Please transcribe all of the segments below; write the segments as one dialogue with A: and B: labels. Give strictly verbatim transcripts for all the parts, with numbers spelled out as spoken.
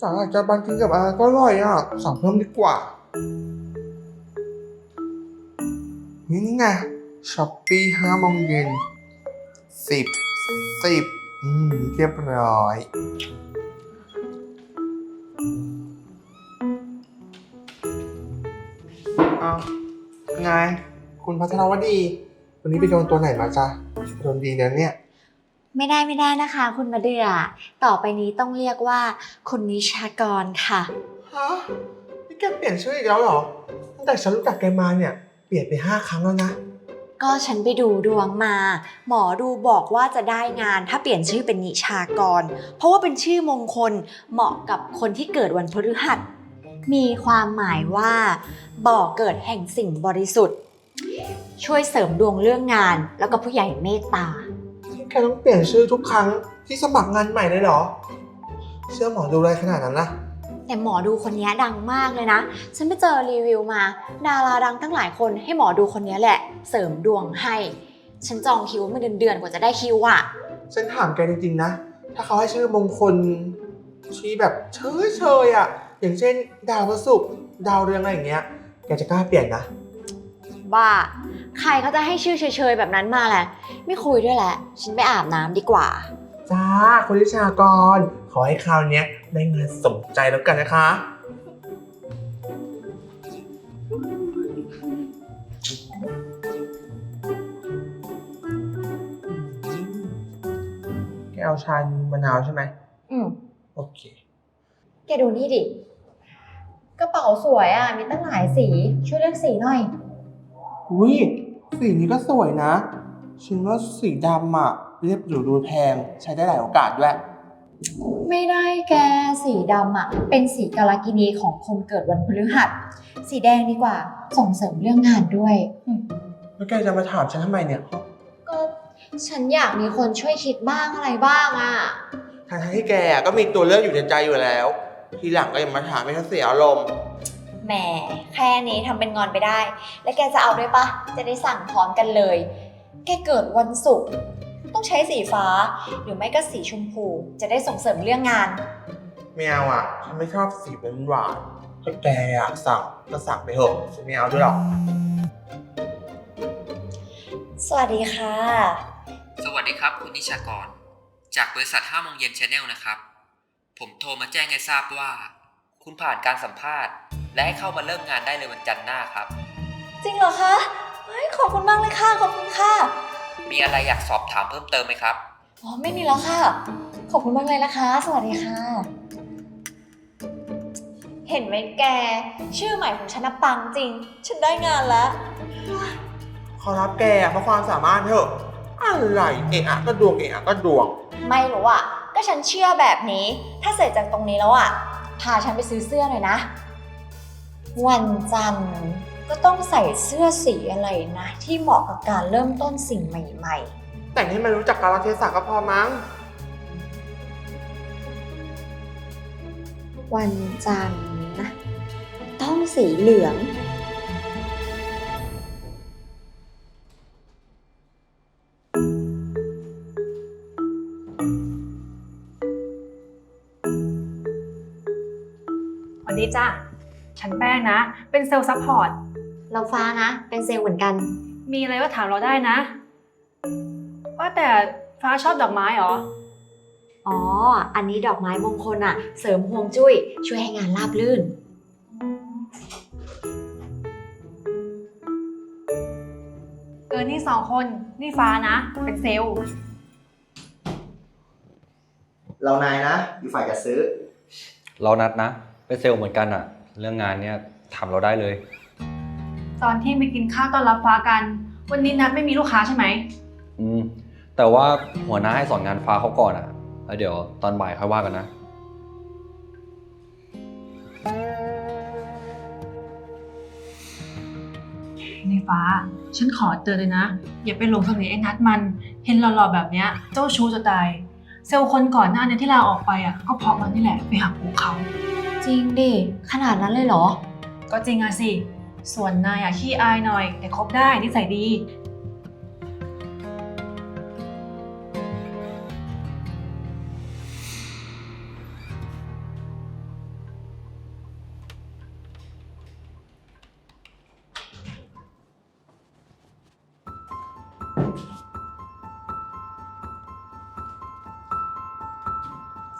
A: สาหร่ายจาบันกินกับอะไรก็อร่อยอ่ะสั่งเพิ่มดีกว่านี่นี่ไงช้อปปี้ห้าโมงเย็นสิบสิบอืมเรียบร้อยเอาไงคุณพัทรวดีวันนี้ไปโดนตัวไหนมาจ๊ะโดนดีนะเนี่ย
B: ไม่ได้ไม่ได้นะคะคุณมาเดือต่อไปนี้ต้องเรียกว่าคุณนิชากรค่ะ
A: ฮะนี่แกเปลี่ยนชื่ออีกแล้วเหรอตั้งแต่ฉันรู้จักแกมาเนี่ยเปลี่ยนไปห้าครั้งแล้วนะ
B: ก็ฉันไปดูดวงมาหมอดูบอกว่าจะได้งานถ้าเปลี่ยนชื่อเป็นนิชากรเพราะว่าเป็นชื่อมงคลเหมาะกับคนที่เกิดวันพฤหัสมีความหมายว่าบ่อเกิดแห่งสิ่งบริสุทธิ์ช่วยเสริมดวงเรื่องงานแล้วก็ผู้ใหญ่เมตตา
A: แกต้องเปลี่ยนชื่อทุกครั้งที่สมัครงานใหม่เลยเหรอเชื่อหมอดูอะไรขนาดนั้นนะ
B: แต่หมอดูคนนี้ดังมากเลยนะฉันไปเจอรีวิวมาดาราดังตั้งหลายคนให้หมอดูคนนี้แหละเสริมดวงให้ฉันจองคิวมาเดือนๆกว่าจะได้คิวอ่ะ
A: ฉันถามแกจริงๆนะถ้าเขาให้ชื่อมงคลที่แบบเฉยๆอ่ะอย่างเช่นดาวพฤหัสดาวเรืองอะไรอย่างเงี้ยแกจะกล้าเปลี่ยนนะ
B: บ้าใครเขาจะให้ชื่อเฉยๆแบบนั้นมาแหละไม่คุยด้วยแหละฉันไปอาบน้ำดีกว่า
A: จ้าคุณวิชากรขอให้คราวนี้ได้งานสมใจแล้วกันนะคะแกเอาชานมะนาวใช่ไหม
B: อืม
A: โอเค
B: แกดูนี่ดิกระเป๋าสวยอ่ะมีตั้งหลายสีช่วยเลือกสีหน่อย
A: อุ้ยสีนี้ก็สวยนะฉันว่าสีดำอ่ะเรียบหรูดูแพงใช้ได้หลายโอกาสด้วย
B: ไม่ได้แกสีดำอ่ะเป็นสีกาลกินีของคนเกิดวันพฤหัสสีแดงดีกว่าส่งเสริมเรื่องงานด้วย
A: แล้วแกจะมาถามฉันทำไมเนี่ย
B: ก็ฉันอยากมีคนช่วยคิดบ้างอะไรบ้างอ่ะ
A: ทางที่แกก็มีตัวเลือกอยู่ในใจอยู่แล้วทีหลังก็อย่ามาถามให้ฉันเสียอารมณ์
B: แหมแค่นี้ทำเป็นงอนไปได้แล้วแกจะเอาด้วยปะจะได้สั่งพร้อมกันเลยแกเกิดวันศุกร์ต้องใช้สีฟ้าหรือไม่ก็สีชมพูจะได้ส่งเสริมเรื่องงาน
A: ไม่เอาอ่ะฉันไม่ชอบสีเป็นหวานถ้าแกอยากสั่งก็สั่งไปเถอะฉันไม่เอาด้วยหรอก
B: สวัสดีค่ะ
C: สวัสดีครับคุณนิชากรจากบริษัทห้าโมงเย็น Channel นะครับผมโทรมาแจ้งให้ทราบว่าคุณผ่านการสัมภาษณ์และให้เข้ามาเริ่มงานได้เลยวันจันทร์หน้าครับ
B: จริงเหรอคะเฮ้ยขอบคุณมากเลยค่ะขอบคุณค่ะ
C: มีอะไรอยากสอบถามเพิ่มเติมไหมครับ
B: อ๋อไม่มีแล้วค่ะขอบคุณมากเลยนะคะสวัสดีค่ะเห็นไหมแกชื่อใหม่ของฉันนะปังจริงฉันได้งานแล้ว
A: ขอรับแกเพราะความสามารถเถอะอะไรเอะอะก็ดวงเอะอะก็ดวง
B: ไม่รู้อ่ะก็ฉันเชื่อแบบนี้ถ้าเสร็จจากตรงนี้แล้วอ่ะพาฉันไปซื้อเสื้อหน่อยนะวันจันทร์ก็ต้องใส่เสื้อสีอะไรนะที่เหมาะกับการเริ่มต้นสิ่งใหม่ๆ
A: แต่งให้มันรู้จักกาลเทศะก็พอมั้ง
B: วันจันทร์นะต้องสีเหลือง
D: สวัสดีจ้ะฉันแป้งนะเป็นเซลล์ซัพพอร์ต
B: เราฟ้านะเป็นเซลล์เหมือนกัน
D: มีอะไรก็ถามเราได้นะว่าแต่ฟ้าชอบดอกไม้เหรอ
B: อ๋ออันนี้ดอกไม้มงคลอะเสริมฮวงจุ้ยช่วยให้งานราบรื่น
D: เออนี่สองคนนี่ฟ้านะเป็นเซลล์
E: เรานายนะอยู่ฝ่ายจัดซื้อ
C: เรานัดนะเป็นเซลล์เหมือนกันอะเรื่องงานเนี้ยทำเราได้เลย
D: ตอนที่ไปกินข้าวต้อนรับฟ้ากันวันนี้นัดไม่มีลูกค้าใช่ไหม
C: อืมแต่ว่าหัวหน้าให้สอนงานฟ้าเขาก่อนอะแล้วเดี๋ยวตอนบ่ายค่อยว่ากันนะ
D: ในฟ้าฉันขอเตือนเลยนะอย่าไปหลงเสน่ห์ไอ้นัดมันเห็นหล่อๆแบบเนี้ยเจ้าชู้จะตายเซลล์คนก่อนหน้านี้ที่ลาออกไปอ่ะก็เพราะมันนี่แหละไปหักอกเขา
B: จริงดิขนาดนั้นเลยเหรอ
D: ก็จริงอะสิส่วนนายอะขี้อายหน่อยแต่คบได้นิสัยดี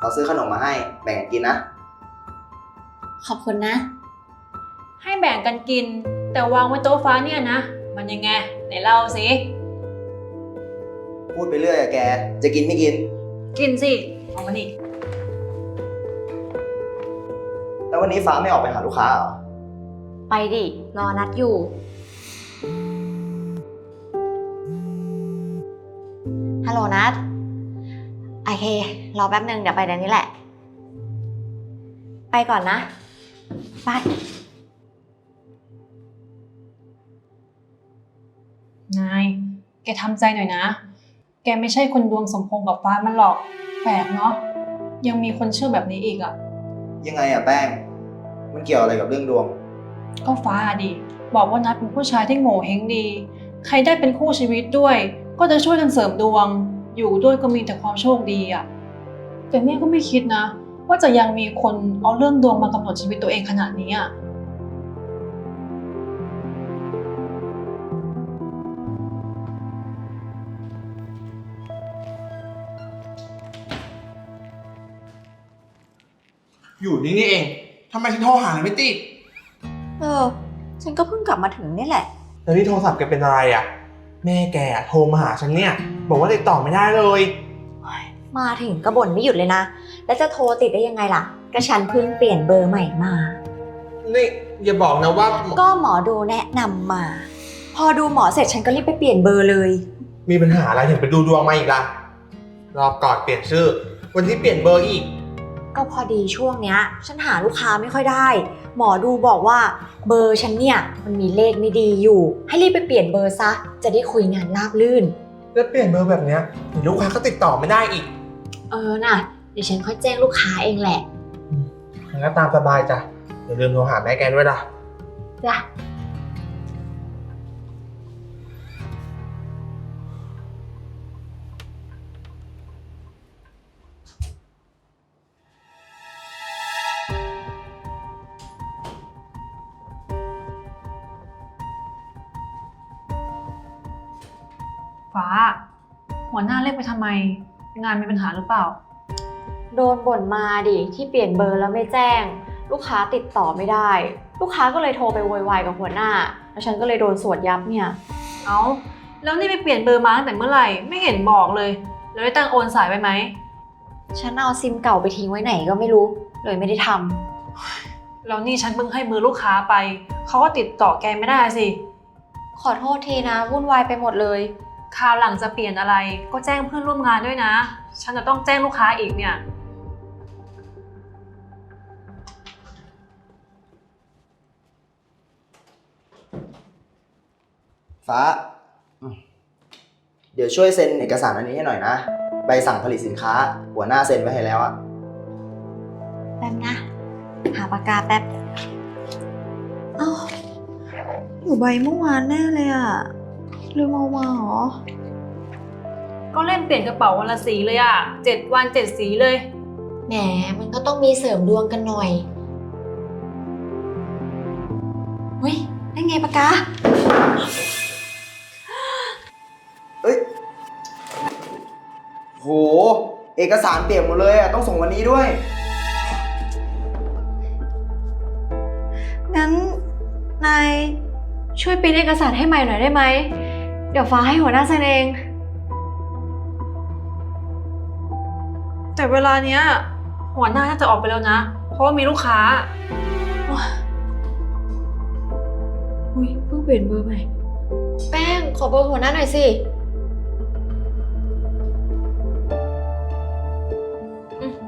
E: เราซื้อขนมมาให้แบ่งกันกินนะ
B: ขอบคุณนะ
D: ให้แบ่งกันกิน แต่วางไว้โต๊ะฟ้าเนี่ยนะ มันยังไงไหนเล่าสิ
E: พูดไปเรื่อยอะแก จะกินไม่กิน
D: กินสิ เอามานี่
E: แล้ววันนี้ฟ้าไม่ออกไปหาลูกค้าเหรอ
B: ไปดิ รอนัดอยู่ ฮัลโหลนัดโอเค รอแป๊บนึงเดี๋ยวไปเดี๋ยวนี้แหละ ไปก่อนนะบาย
D: นาย แกทำใจหน่อยนะ แกไม่ใช่คนดวงสมพงษ์กับฟ้ามันหรอก แปลกเนาะ ยังมีคนเชื่อแบบนี้อีกอะ
E: ยังไงอะแป้ง มันเกี่ยวอะไรกับเรื่องดวง
D: ก็ฟ้าอะดิ บอกว่านัดเป็นผู้ชายที่โง่เฮงดี ใครได้เป็นคู่ชีวิตด้วย ก็จะช่วยกันเสริมดวง อยู่ด้วยก็มีแต่ความโชคดีอะแต่เนี่ยก็ไม่คิดนะ ว่าจะยังมีคนเอาเรื่องดวงมากำหนดชีวิตตัวเองขนาดนี้อะ
A: อยู่นี่นี่เองทำไมฉันโทรหาแล้วไม่ติด
B: เออ ฉันก็เพิ่งกลับมาถึงนี่แหละ
A: แล้วนี่โทรศัพท์แกเป็นอะไรอ่ะ แม่แกอะโทรมาหาฉันเนี่ย บอกว่าติดต่อไม่ได้เลย
B: มาถึงก็บ่นไม่หยุดเลยนะ แล้วจะโทรติดได้ยังไงล่ะ ก็ฉันเพิ่งเปลี่ยนเบอร์ใหม่มา
A: นี่อย่าบอกนะว่า
B: ก็หมอดูแนะนำมา พอดูหมอเสร็จฉันก็รีบไปเปลี่ยนเบอร์เลย
A: มีปัญหาอะไรถึงไปดูดวงมาอีกล่ะ รอบก่อนเปลี่ยนชื่อ วันที่เปลี่ยนเบอร์อีก
B: ก็พอดีช่วงเนี้ย ฉันหาลูกค้าไม่ค่อยได้ หมอดูบอกว่าเบอร์ฉันเนี่ยมันมีเลขไม่ดีอยู่ ให้รีบไปเปลี่ยนเบอร์ซะ จะได้คุยงานราบรื่น
A: แล้วเปลี่ยนเบอร์แบบเนี้ยเดี๋ยวลูกค้าก็ติดต่อไม่ได้อีก
B: เออน่ะ เดี๋ยวฉันค่อยแจ้งลูกค้าเองแหละ
A: งั้นก็ตามสบายจ้ะอย่าลืมโทรหาแม่แกด้วยล่ะ
B: จ้ะ
D: ฟ้า หัวหน้าเรียกไปทำไม งานมีปัญหาหรือเปล่า
B: โดนบ่นมาดิที่เปลี่ยนเบอร์แล้วไม่แจ้ง ลูกค้าติดต่อไม่ได้ ลูกค้าก็เลยโทรไปโวยวายกับหัวหน้า แล้วฉันก็เลยโดนสวดยับเนี่ย
D: เอ้า แล้วนี่ไปเปลี่ยนเบอร์มาตั้งแต่เมื่อไหร่ ไม่เห็นบอกเลย แล้วได้ตั้งโอนสายไว้ไหม
B: ฉันเอาซิมเก่าไปทิ้งไว้ไหนก็ไม่รู้ เลยไม่ได้ทำ
D: แล้วนี่ฉันเพิ่งให้เบอร์ลูกค้าไป เขาก็ติดต่อแกไม่ได้สิ
B: ขอโทษทีนะวุ่นวายไปหมดเลย
D: คราวหลังจะเปลี่ยนอะไร ก็แจ้งเพื่อนร่วมงานด้วยนะ ฉันจะต้องแจ้งลูกค้าอีกเนี่ย
E: ฟ้าอืมเดี๋ยวช่วยเซ็นเอกสารอันนี้ให้หน่อยนะ ใบสั่งผลิตสินค้า หัวหน้าเซ็นไว้ให้แล้วอะ
B: แป๊บนะ หาปากกาแป๊บ เอ้าอยู่ใบเมื่อวานแน่เลยอะลืมเอามาเหรอ
D: ก็เล่นเปลี่ยนกระเป๋าวันละสีเลยอ่ะเจ็ดวันเจ็ดสีเลย
B: แหมมันก็ต้องมีเสริมดวงกันหน่อยเฮ้ยได้ไงปากกา
E: เอ้ย โห เอกสารเปลี่ยนหมดเลยอะต้องส่งวันนี้ด้วย
B: งั้นนายช่วยปริ้นเอกสารให้ใหม่หน่อยได้ไหม เดี๋ยวฟ้าให้หัวหน้าเซ็นเอง
D: แต่เวลาเนี้ยหัวหน้าน่าจะออกไปแล้วนะ เพราะว่ามีลูกค้า
B: อุ้ยเพิ่งเปลี่ยนเบอร์ใหม่ แป้งขอเบอร์หัวหน้าหน่อยสิอืม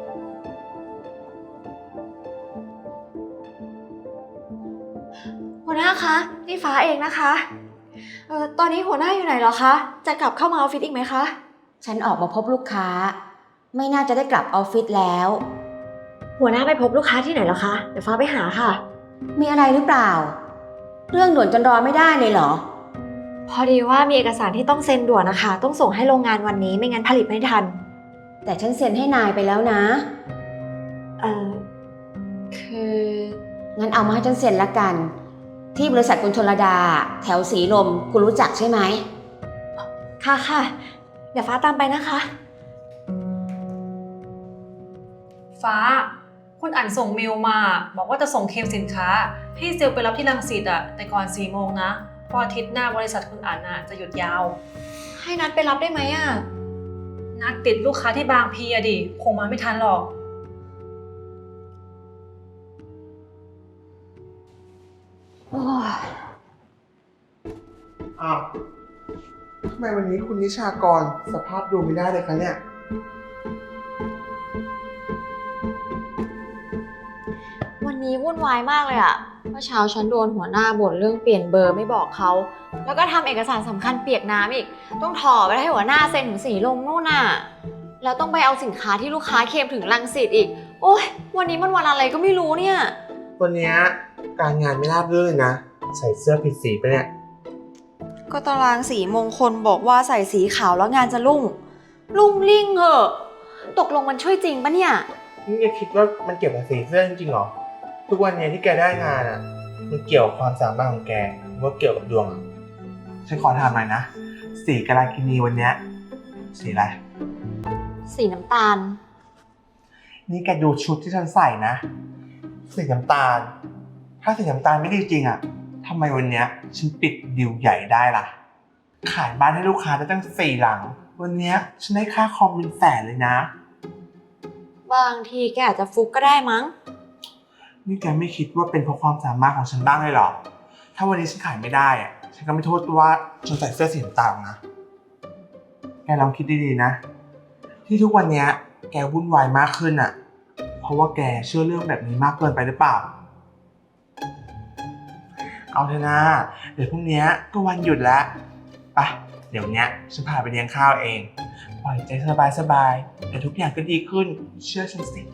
B: หัวหน้าคะนี่ฟ้าเองนะคะเอ่อตอนนี้หัวหน้าอยู่ไหนเหรอคะ จะกลับเข้ามาออฟฟิศอีกไหมคะ
F: ฉันออกมาพบลูกค้า ไม่น่าจะได้กลับออฟฟิศแล้ว
B: หัวหน้าไปพบลูกค้าที่ไหนเหรอคะ เดี๋ยวฟ้าไปหาค่ะ
F: มีอะไรหรือเปล่า เรื่องด่วนจนรอไม่ได้เลยเหรอ
B: พอดีว่ามีเอกสารที่ต้องเซ็นด่วนนะคะ ต้องส่งให้โรงงานวันนี้ไม่งั้นผลิตไม่ทัน
F: แต่ฉันเซ็นให้นายไปแล้วนะ
B: เอ่อ คือ
F: งั้นเอามาให้ฉันเซ็นละกัน ที่บริษัทคุณชลดา แถวสีลมคุณรู้จักใช่ไหม
B: ค่ะค่ะ เดี๋ยวฟ้าตามไปนะคะ
D: ฟ้า คุณอ่านส่งเมลมา บอกว่าจะส่งเคลมสินค้าให้เซลล์ไปรับที่รังสิตอะแต่ก่อนสี่โมงนะเพราะอาทิตย์หน้าบริษัทคุณอ่านอะจะหยุดยาว
B: ให้นัดไปรับได้ไหมอะ
D: นัดติดลูกค้าที่บางพีอะดิคงมาไม่ทันหรอก
B: โอ้ย
A: อ้าวทำไมวันนี้คุณนิชากรสภาพดูไม่ได้เลยคะเนี่ย
B: วันนี้วุ่นวายมากเลยอะเมื่อเช้าฉันโดนหัวหน้าบ่นเรื่องเปลี่ยนเบอร์ไม่บอกเขา แล้วก็ทำเอกสารสำคัญเปียกน้ำอีก ต้องถอไปให้หัวหน้าเซ็นถึงสีลมนู่นน่ะ แล้วต้องไปเอาสินค้าที่ลูกค้าเคลมถึงรังสิตอีก โอ๊ย วันนี้มันวันอะไรก็ไม่รู้เนี่ย
A: วันเนี้ยการงานไม่ราบรื่นเลยนะ ใส่เสื้อผิดสีไปะเนี่ย
B: ก็ตารางสีมงคลบอกว่าใส่สีขาวแล้วงานจะรุ่ง รุ่งริ่งเหอะ ตกลงมันช่วยจริงปะเนี่ย
A: นี่แกคิดว่ามันเกี่ยวกับสีเสื้อจริงๆเหรอ ทุกวันเนี้ยที่แกได้งานอ่ะ มันเกี่ยวกับความสามารถของแกหรือว่าเกี่ยวกับดวงอะฉันขอถามหน่อยนะ สีกาลากินีวันเนี้ยสีอะไร
B: สีน้ำตาล
A: นี่แกดูชุดที่ฉันใส่นะ สีน้ำตาล ถ้าสีน้ำตาลไม่ดีจริงอ่ะทำไมวันเนี้ยฉันปิดดิวใหญ่ได้ล่ะ ขายบ้านให้ลูกค้าได้ตั้งสี่หลัง วันเนี้ยฉันได้ค่าคอมเป็นแสนเลยนะ
B: บางทีแกอาจจะฟุกก็ได้มั้ง
A: นี่แกไม่คิดว่าเป็นเพราะความสามารถของฉันบ้างเลยเหรอ ถ้าวันนี้ฉันขายไม่ได้อ่ะ ฉันก็ไม่โทษว่าฉันใส่เสื้อสีน้ำตาลนะ แกลองคิดดีๆนะ ที่ทุกวันเนี้ยแกวุ่นวายมากขึ้นอ่ะ เพราะว่าแกเชื่อเรื่องแบบนี้มากเกินไปหรือเปล่า เอาเถอะนะ เดี๋ยวพรุ่งนี้ก็วันหยุดแล้วไปเดี๋ยวเนี้ยฉันพาไปเลี้ยงข้าวเอง ปล่อยใจสบายๆแต่ทุกอย่างก็ดีขึ้น เชื่อฉันสิ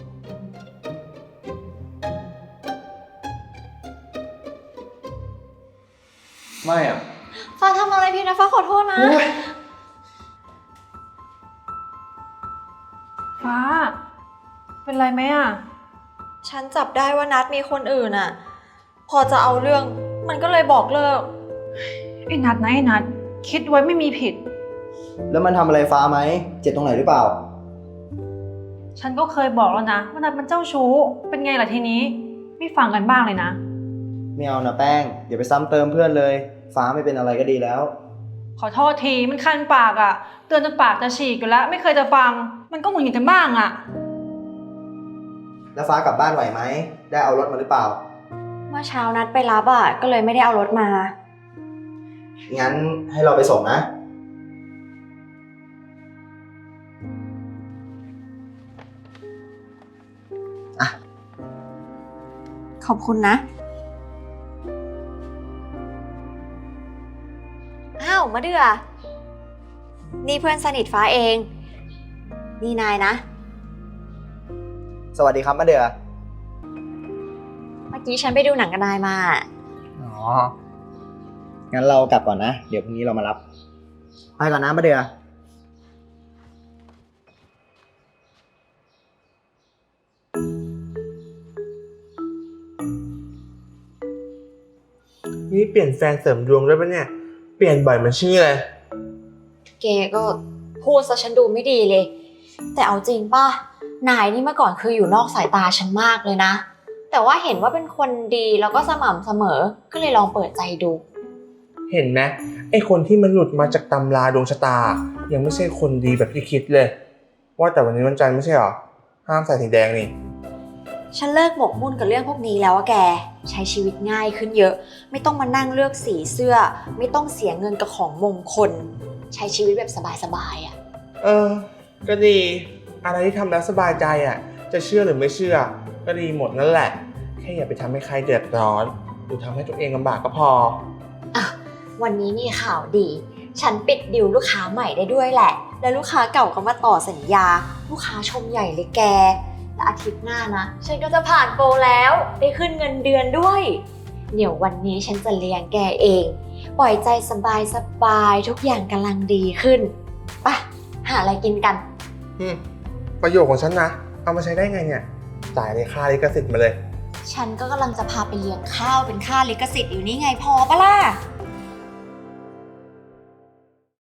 E: ไม่อ่ะ
B: ฟ้าทำอะไรพี่นะฟ้าขอโทษนะ
D: ฟ้า เป็นไรไหมอ่ะ
B: ฉันจับได้ว่านัดมีคนอื่นอ่ะ พอจะเอาเรื่องมันก็เลยบอกเลิก
D: ไอ้นัดนะไอ้นัดคิดไว้ไม่มีผิด
E: แล้วมันทำอะไรฟ้าไหม เจ็บตรงไหนหรือเปล่า
D: ฉันก็เคยบอกแล้วนะว่านัดมันเจ้าชู้ เป็นไงล่ะทีนี้ ไม่ฟังกันบ้างเลยนะ
E: ไม่เอานะแป้งอย่าไปซ้ำเติมเพื่อนเลย ฟ้าไม่เป็นอะไรก็ดีแล้ว
D: ขอโทษทีมันคันปากอะ่ะ เตือนจนปากจะฉีกอยู่แล้ว ไม่เคยจะฟัง มันก็หงุดหงิดกันบ้างอะ่ะ
E: แล้วฟ้ากลับบ้านไหวไหม ได้เอารถมาหรือเปล่า
B: เมื่อเช้านัดไปรับอ่ะก็เลยไม่ได้เอารถมา
E: งั้นให้เราไปส่งนะ
B: ขอบคุณนะ อ้าวมะเดือนี่เพื่อนสนิทฟ้าเอง นี่นายนะ
E: สวัสดีครับมะเดือ
B: เมื่อกี้ฉันไปดูหนังกับนายมา
E: อ๋อ งั้นเรากลับก่อนนะ เดี๋ยวพรุ่งนี้เรามารับ ไปก่อนนะมะเดือ
A: นี่เปลี่ยนแฟนเสริมดวงด้วยปะเนี่ย เปลี่ยนบ่อยมันชื่ออะไร
B: แกก็พูดซะฉันดูไม่ดีเลย แต่เอาจริงป่ะ นายนี่เมื่อก่อนคืออยู่นอกสายตาฉันมากเลยนะ แต่ว่าเห็นว่าเป็นคนดีแล้วก็สม่ำเสมอ ก็เลยลองเปิดใจดู
A: เห็นไหมไอคนที่มันหลุดมาจากตำราดวงชะตา ยังไม่ใช่คนดีแบบที่คิดเลย ว่าแต่วันนี้วันจันทร์ไม่ใช่หรอ ห้ามใส่สีแดงนี่
B: ฉันเลิกหมกมุ่นกับเรื่องพวกนี้แล้วอะแก ใช้ชีวิตง่ายขึ้นเยอะ ไม่ต้องมานั่งเลือกสีเสื้อ ไม่ต้องเสียเงินกับของมงคล ใช้ชีวิตแบบสบายๆอะ
A: เออ ก็ดี อะไรที่ทำแล้วสบายใจอ่ะ จะเชื่อหรือไม่เชื่อ ก็ดีหมดนั่นแหละ แค่อย่าไปทำให้ใครเดือดร้อน หรือทำให้ตัวเองลำบากก็พอ
B: อ่ะวันนี้มีข่าวดี ฉันปิดดิวลูกค้าใหม่ได้ด้วยแหละ แล้วลูกค้าเก่าก็มาต่อสัญญา ลูกค้าชมใหญ่เลยแก และอาทิตย์หน้านะ ฉันก็จะผ่านโปรแล้ว ได้ขึ้นเงินเดือนด้วย เดี๋ยววันนี้ฉันจะเลี้ยงแกเอง ปล่อยใจสบายสบายๆทุกอย่างกำลังดีขึ้นไปหาอะไรกินกัน
A: อืม ประโยชน์ของฉันนะ เอามาใช้ได้ไงเนี่ย จ่ายในค่าลิขสิทธิ์มาเลย
B: ฉันก็กำลังจะพาไปเลี้ยงข้าวเป็นค่าลิขสิทธิ์อยู่นี่ไงพอปะล่ะ